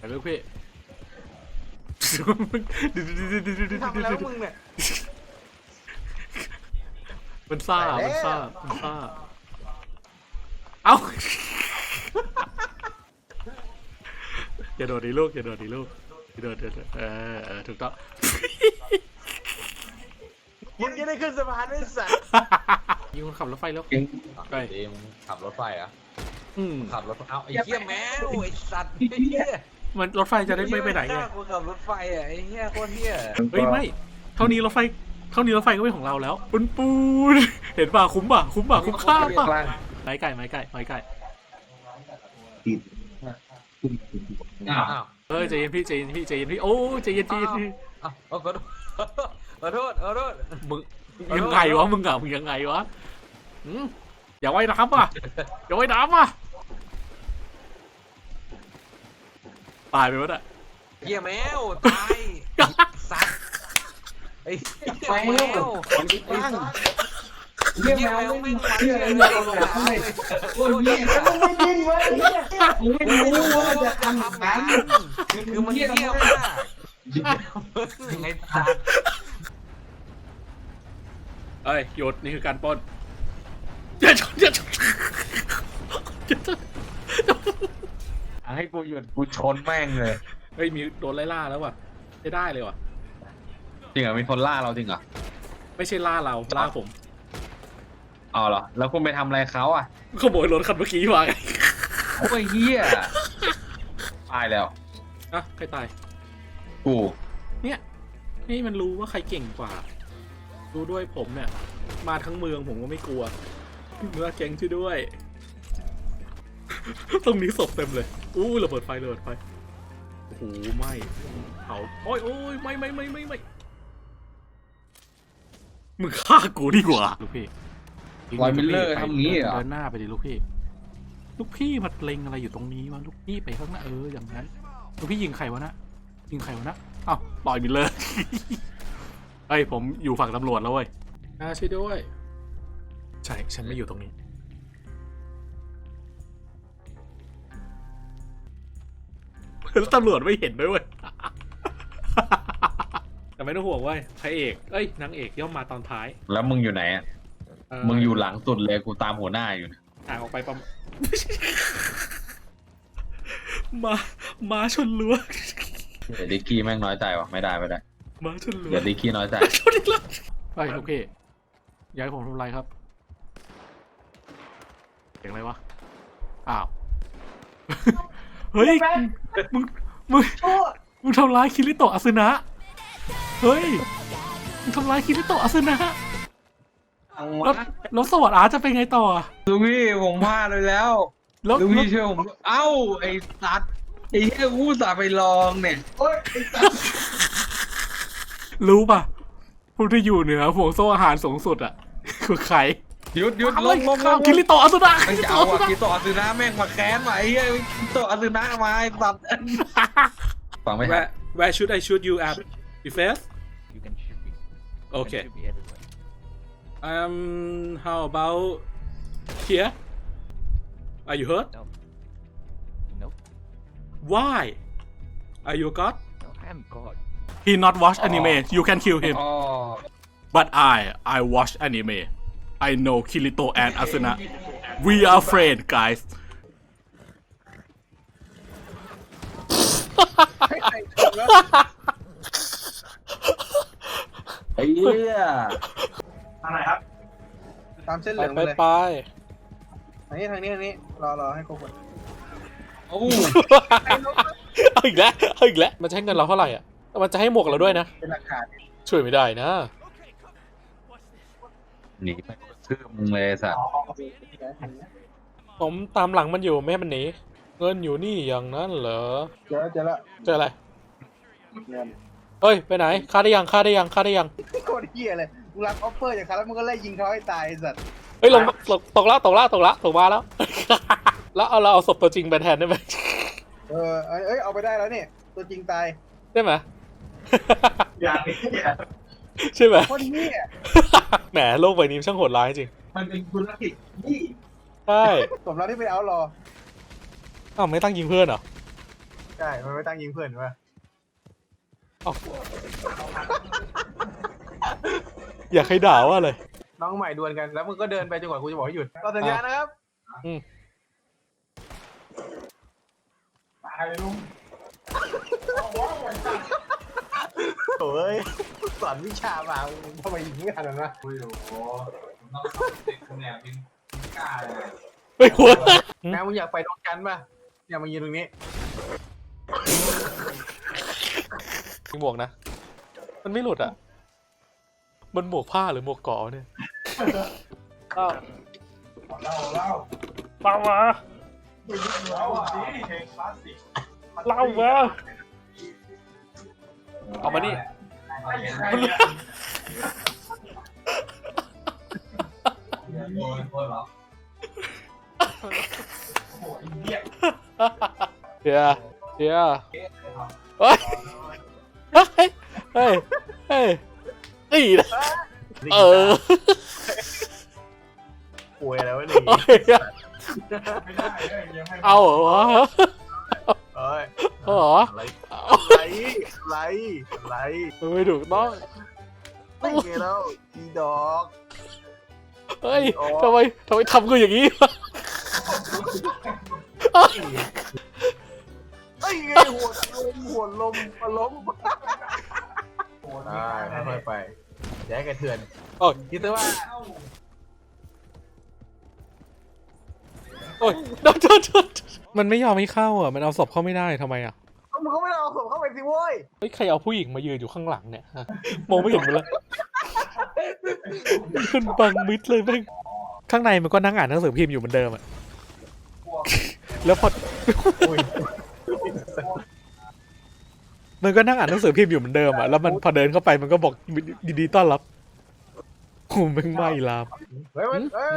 ไปลูกพี่ทำแล้วมึงเนี่ยมันซ่าเอ้าอย่าโดดดิลูกอย่าโดดถูกต้องมึงจะได้ขึ้นสะพานไม่สัตว์ยิงคนขับรถไฟแล้วไปดีมึงขับรถไฟอ่ะอืมขับรถเอาไอ้เหี้ยแมวไอ้สัตว์ไอ้เหี้ยมันรถไฟจะได้ไม่ไปไหนไงกูขับรถไฟอ่ะไอ้เหี้ยโคตรเหี้ยเฮ้ยไม่เท่านี้รถไฟก็เป็นของเราแล้วปูนเห็นป่ะคุ้มค่าป่ะไม้ไก่อ้าวใจเย็นพี่โอ้ใจเย็นพี่อ้าวขอโทษมึงยังไงวะมึงยังไงวะอย่าไว้น้ำป่ะตายไปวะเนี่ยเหี้ยแมวตายสัตว์ไอ้เหี้ยแมวมันติดตั้งเหี้ยแมวไม่งมันเลยโอ้ยเนี่ยแล้วมันไม่ดิ้นเว้ยเนี่ยมึงไม่รู้ว่ามันจะทำแบบนั้นคือมันเหี้ยมากไอ้สัตว์เอ้ยหยุดนี่คือการปล้นอย่าชนให้กูหยุดกูชนแม่งเลยเฮ้ยมีโดนไล่ล่าแล้วว่ะได้เลยว่ะจริงเหรอมีคนล่าเราจริงเหรอไม่ใช่ล่าเราล่าผมอ๋อเหรอแล้วคุณไปทำอะไรเขาอ่ะขโมยรถคันเมื่อกี้มาไงโอ้ยเฮียตายแล้วอ่ะใครตายกูเนี่ยให้มันรู้ว่าใครเก่งกว่าดูด้วยผมเนี่ยมาทั้งเมืองผมก็ไม่กลัวเมื่อแก๊งช่วยด้วย ตรงนี้ศพเต็มเลยอู้ระเบิดไฟโอ้โหไหม้เผาโอ้ยไม่มึงฆ่ากูดีกว่าลูกพี่ลอยมิลเลอร์ทำงี้เหรอเดินหน้าไปดิลูกพี่มาเล็งอะไรอยู่ตรงนี้วะลูกพี่ไปข้างหน้าอย่างนั้นลูกพี่ยิงใครวะนะอ้าวลอยมิลเลอร์ เฮ้ยผมอยู่ฝั่งตำรวจแล้วเว้ยช่วยด้วยใช่ฉันไม่อยู่ตรงนี้แล้วตำรวจไม่เห็นด้วยเว้ย แต่ไม่ต้องห่วงเว้ยพระเอกนางเอกย่อมมาตอนท้ายแล้วมึงอยู่ไหนอ่ะมึงอยู่หลังสุดเลยกูตามหัวหน้าอยู่ห่างออกไปประมาณ มาชนรั้วเดี๋ยวดิกกี้แม่งน้อยใจว่ะไม่ได้มาชนรั้วเดี๋ยวดิกกี้น้อยใจชนอีกแล้วไปโอเคย้ายผมทำไรครับเสียงอะไรวะอ้าว เฮ้ยมึงทำร้ายคิริโตะอาซึนะเฮ้ยมึงทำร้ายคิริโตะอาซึนะแล้วสวัสดิ์อาร์จะเป็นไงต่อลุงพี่ผมพลาดเลยแล้วลุงพี่เชื่อผมเอ้าไอ้สัตว์ไอ้เหี้ยกูสาไปลองเนี่ยรู้ป่ะผู้ที่อยู่เหนือห่วงโซ่อาหารสูงสุดอ่ะ คือใครหยุดลงคิริโตะอาซึนะไม่จะเอาอะคิโตะอาซึนะแม่งมาแค้นมาไอ้เหี้ยคิโตะอาซึนะมาไอ้สัตว์ฟังไม่ทัน Where should I shoot you at the face You can shoot me. Okay. You can shoot me everywhere. How about here? Are you hurt? No. Nope. Why? Are you God? No, I'm God. He not watch anime. You can kill him. อ๋อ But I watch anime. I know Kirito and Asuna. We are friends, guys. ไอ้เหี้ยทางไหนครับตามเส้นเหลืองไปเลยไปทางนี้รอให้ครบหมดโอ้เอาอีกแล้วมันจะให้เงินเราเท่าไหร่อ่ะมันจะให้หมวกเราด้วยนะเป็นหลักฐานช่วยไม่ได้นะหนีไปชื่อมึงเลยสัตว์ผมตามหลังมันอยู่ไม่ให้มันหนีเงินอยู่นี่อย่างนั้นเหรอเจอแล้วเจออะไรเงินเฮ้ยไปไหนฆ่าได้ยังโคตรเหี้ยเลยมึงรับออฟเฟอร์จากเขาแล้วมึงก็ไล่ยิงเขาให้ตายไอ้สัตว์เฮ้ยตกมาแล้ว แล้วเราเอาศพตัวจริงไปแทนได้ไหมเอาไปได้แล้วเนี่ยตัวจริงตายได้ไหมอย่างนี้ใช่ไหมโคตรเหี้ยแหมโลกใบนี้ช่างโหดร้ายจริงมันเป็นธุรกิจนี่ใช่สมแล้วที่ไปเอารออ้าวไม่ตั้งยิงเพื่อนเหรอใช่ช่มันไม่ตั้งยิงเพื่อนวะอยากให้ด่าว่าอะไรน้องใหม่ดวลกันแล้วมึงก็เดินไปจนกว่ากูจะบอกให้หยุดก็สัญญานะครับตายลุงโอ้ยสอนวิชามาทำไมยิงไม่ทันนะโอ้โหต้องเด็กคนแอบยิงกล้าเลยเฮ้ยหัวแม่มึงอยากไปดวลกันป่ะเนี่ยมายืนตรงนี้มีหมวกนะ มันไม่หลุดอ่ะ มันหมวกผ้าหรือหมวกเกาะเนี่ยเล่าเล่ามาเล่ามาเอามานี่เดี๋ยวเดี๋ยวเฮ้ยเฮ้ยเฮ้ยเฮ้ยนี่นะป่วยแล้วนี่เอาเหรอวะเอ้ยเอาเหรออะไรมันไม่ถูกต้องไม่ไงแล้วอีดอกเฮ้ยทำไมทำกูอย่างนี้วะไอ้ไงหัวลมล้มได้ค่อยๆไปอย่าให้กระเทือนโอ้ยคิดซะว่าโอ้ยโทษมันไม่ยอมให้เข้าอ่ะมันเอาศพเข้าไม่ได้ทำไมอ่ะมึงก็ไม่ได้เอาศพเข้าไปสิโว้ยเฮ้ยใครเอาผู้หญิงมายืนอยู่ข้างหลังเนี่ยฮะมองไม่เห็นมันเลยมันบังมิดเลยแม่งข้างในมันก็นั่งอ่านหนังสือพิมพ์อยู่เหมือนเดิมอ่ะแล้วพอมันก็นั่งอ่านหนังสือพิมพ์อยู่เหมือนเดิมอ่ะแล้วมันพอเดินเข้าไปมันก็บอกยินดีต้อนรับกูแม่งไม่ลามเฮ้ย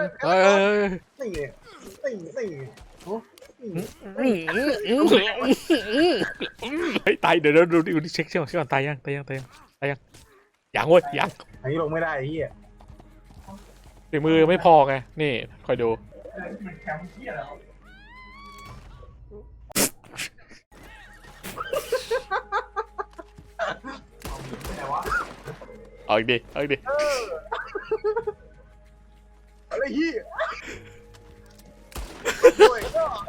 นี่ตายเดี๋ยวดูเช็คก่อนตายยังยังเว้ยยังอันนี้ลงไม่ได้ไอ้เหี้ยฝีมือไม่พอไงนี่คอยดูเอาอีกดิอะไรเหี้ยลง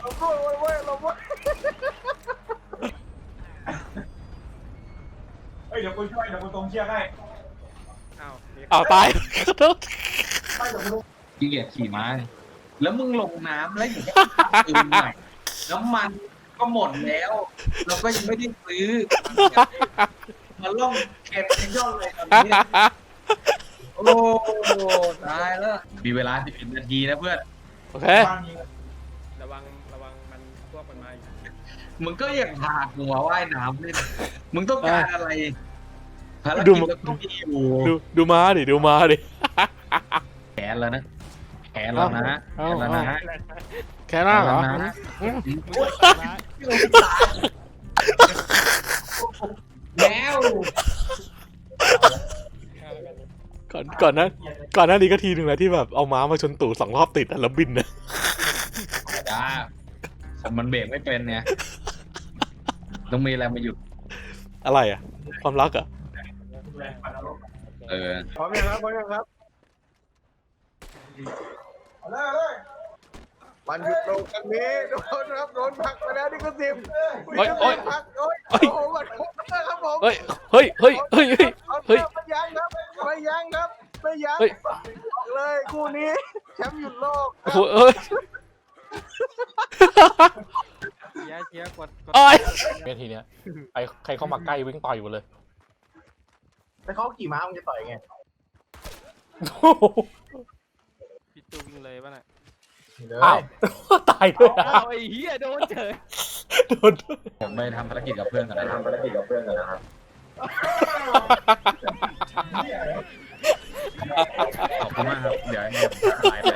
เฮ้ยเดี๋ยวกูช่วยเดี๋ยวกูตรงเชือกให้เอาตายขอโทษขี้เกียจขี่ม้าแล้วมึงลงน้ำแล้วอยู่ที่ปืนใหม่น้ำมันก็หมดแล้วเราก็ยังไม่ได้ซื้อมาล่องแคปเป็นยอดเลยตอนนี้โอ้ตายแล้วมีเวลา11 นาทีนะเพื่อนโอเคระวังมันพวกมันมาอีกมึงก็ยังพาหัวว่ายน้ำเล่นมึงต้องการอะไรภารกิจเราต้องมีอยู่ดูม้าดิแขนแล้วนะแขนแล้วนะแค่นั้นเหรอแล้วก่อนหน้านี้ก็ทีหนึ่งแล้วที่แบบเอาม้ามาชนตู่2 รอบติดแล้วบินนะจ้ามันเบรกไม่เป็นเนี่ยต้องมีอะไรมาหยุดอะไรอ่ะความรักอ่ะพร้อมยังครับมันหยุดลงกันนี้โดนครับโดนผักไปแล้วนี่ก็10ผักโอ้โหมันครับผมเฮ้ยไม่ยั้งครับเลยคู่นี้แชมป์หยุดโลกโอ้โหเอ้ยเชียร์กดไอ้เวทีเนี้ยใครเข้ามาใกล้วิ่งต่อยอยู่เลยแต่เขาขี่ม้ามันจะต่อยไงพี่ตูวิ่งเลยป่ะน่ะอ้าวตายด้วยนะไอ้เหี้ยโดนเฉยโดนด้วยผมไปทำภารกิจกับเพื่อนกันนะครับขอบคุณมากครับเดี๋ยวให้ผมถ่ายไป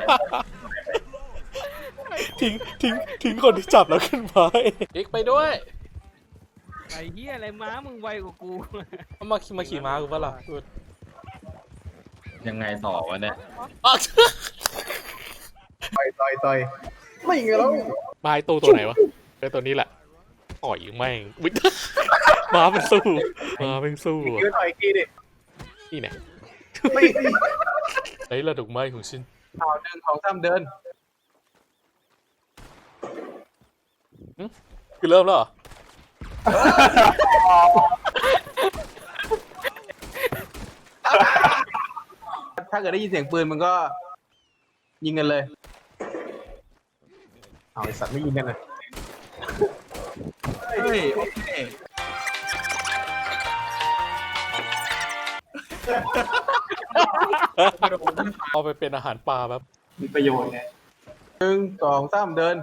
ทิ้งคนที่จับแล้วขึ้นมาอีกไปด้วยไอ้เหี้ยอะไรม้ามึงไวกว่ากูเอามาขี่ม้ากูปะล่ะยังไงต่อวะเนี่ยต่อยไม่ไงแล้วมาไอ้ตัวไหนวะไอ้ตัวนี้แหละต่อยแม่งอุ๊ยมาเป็นสู้มาเป็นสู้ยืนต่อยอีกทีดินี่ไงไม่ไอ้ระดอกไม้ของฉันเอา1 2 3เดินคือเริ่มแล้วเหรอถ้าเกิดได้ยินเสียงปืนมันก็ ยิงกันเลยเอาไอสัตว์ไม่ยิงกันเลยเฮ้ยโอเคเอาไปเป็นอาหารปลาแบบมีประโยชน์ไง1 2 3เดิน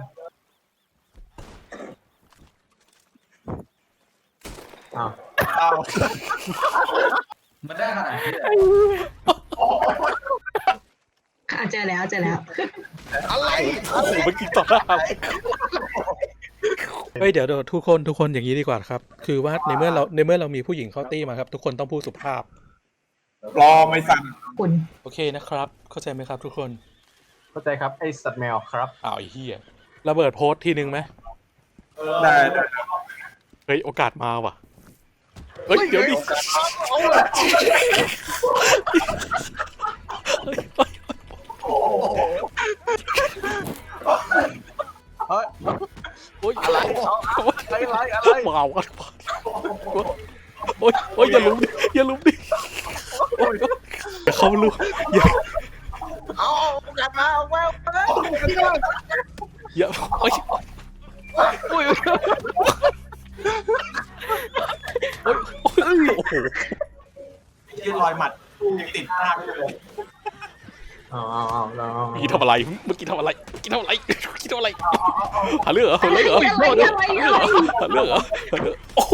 อ้าวมันได้ขนาดนี้เลยเจอแล้วเจอแล้วอะไรโอ้โหเมื่อกี้ต่อหน้าเฮ้ยเดี๋ยวทุกคนอย่างนี้ดีกว่าครับ คือว่าในเมื่อเรามีผู้หญิงเข้าตี้มาครับ ทุกคนต้องพูดสุภาพรอไม่สั่นคุณโอเคนะครับ เข้าใจไหมครับทุกคนเข้าใจครับไอสัตว์แมวครับอ้าวไอ้เหี้ยระเบิดโพสต์ทีนึงไหมได้เฮ้ยโอกาสมาว่ะเฮ้ยเดี๋ยวดิเฮ้ยโอ้ยอะไรอะไรว้าวกันโอ้ยอย่าลุมดิอย่าลุมดิอย่าเข้าลุมอย่าเอากลับมาเอาแมวอย่าโอ้ยโอ้ยโอ้โหที่รอยหมัดยังติดหน้าไม่เลยเอาเมื่อกี้ทำอะไรเมื่อกี้ทำอะไรหาเรื่องเหรอหาเรื่องเหรออะไรหาเรื่องเหรอโอ้โห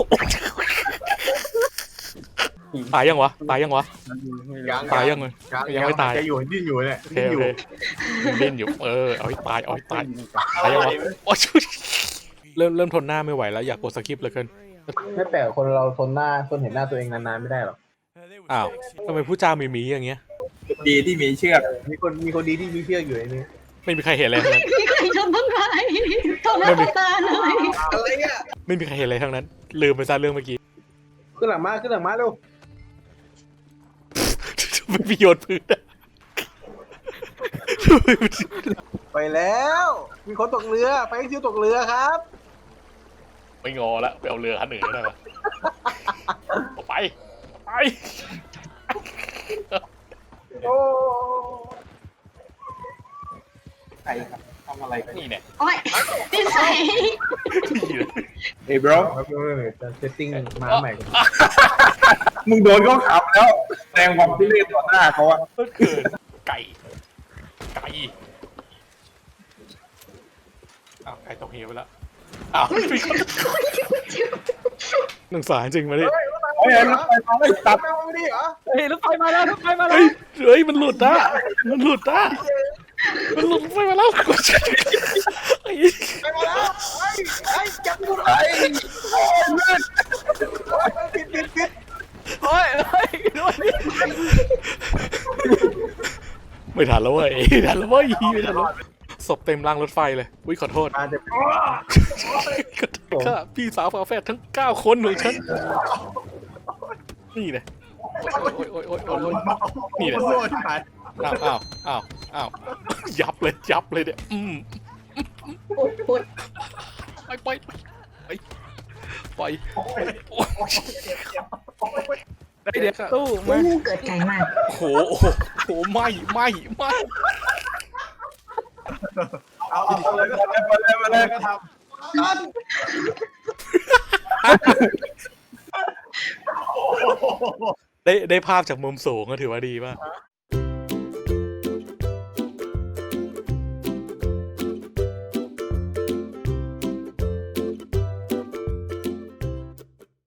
ตายยังวะตายยังไงยังไม่ตายจะอยู่ดิ้นอยู่เนี่ยโอเคโอเคเล่นอยู่เอาให้ตายตายยังวะโอ้ยเริ่มทนหน้าไม่ไหวแล้วอยากกดสกิปเลยเกินไม่แปลกคนเราทนเห็นหน้าตัวเองนานๆไม่ได้หรอกอ้าวทำไมผู้จ้ามีอย่างเงี้ยดีที่มีเชือกมีคนดีที่มีเชือกอยู่ในนี้ไม่มีใครเห็นอะไรทั้งนั้นมีใครชนต้นไม้ต่อหน้าต่อตาเลยอะไรเนี่ยไม่มีใครเห็นอะไรทั้งนั้นลืมไปซะเรื่องเมื่อกี้ขึ้นหลังมาเร็วไม่มีโยนพื้นอะไปแล้ว มีคนตกเรือไปให้ซิวตกเรือครับไม่งอละไปเอาเรือคันอื่นก็ได้ปะไปโอ้ใครครับทำอะไรกันนี่เนี่ยโอ้ยนิสัยเฮ้ย bro จะเซตติ้งมาใหม่ก่อนมึงโดนเขาขับแล้วแสดงความที่เล่นต่อหน้าเขาอะเมื่อคืนไก่อ้าวไก่ตกเหวไปแล้วอ้าวมีคนหนึ่งสายจริงมาดิเฮ้ยรถไฟมาไม่ตัดไม่ดีเหรอเฮ้ยรถไฟมาแล้วเฮ้ยมันหลุดนะมันหลุดไปมาแล้วกดไปมาแล้วไอ้จับกูไอ้โอ้ยมืดปิดโอ้ยไม่ทันแล้วเว้ยศพเต็มรางรถไฟเลยอุ้ยขอโทษมาจะข้าพี่สาวฝาแฝดทั้ง9 คนของฉันนี่เลยโอ้ยนี่เลยโดนผ่านอ้าวยับเลยเนี่ยปุดไปเดี๋ยวตู้มาเกิดไกลมากโอ้โหไม่เอาเลยก็ทำได้ภาพจากมุมสูงก็ถือว่าดีป่ะ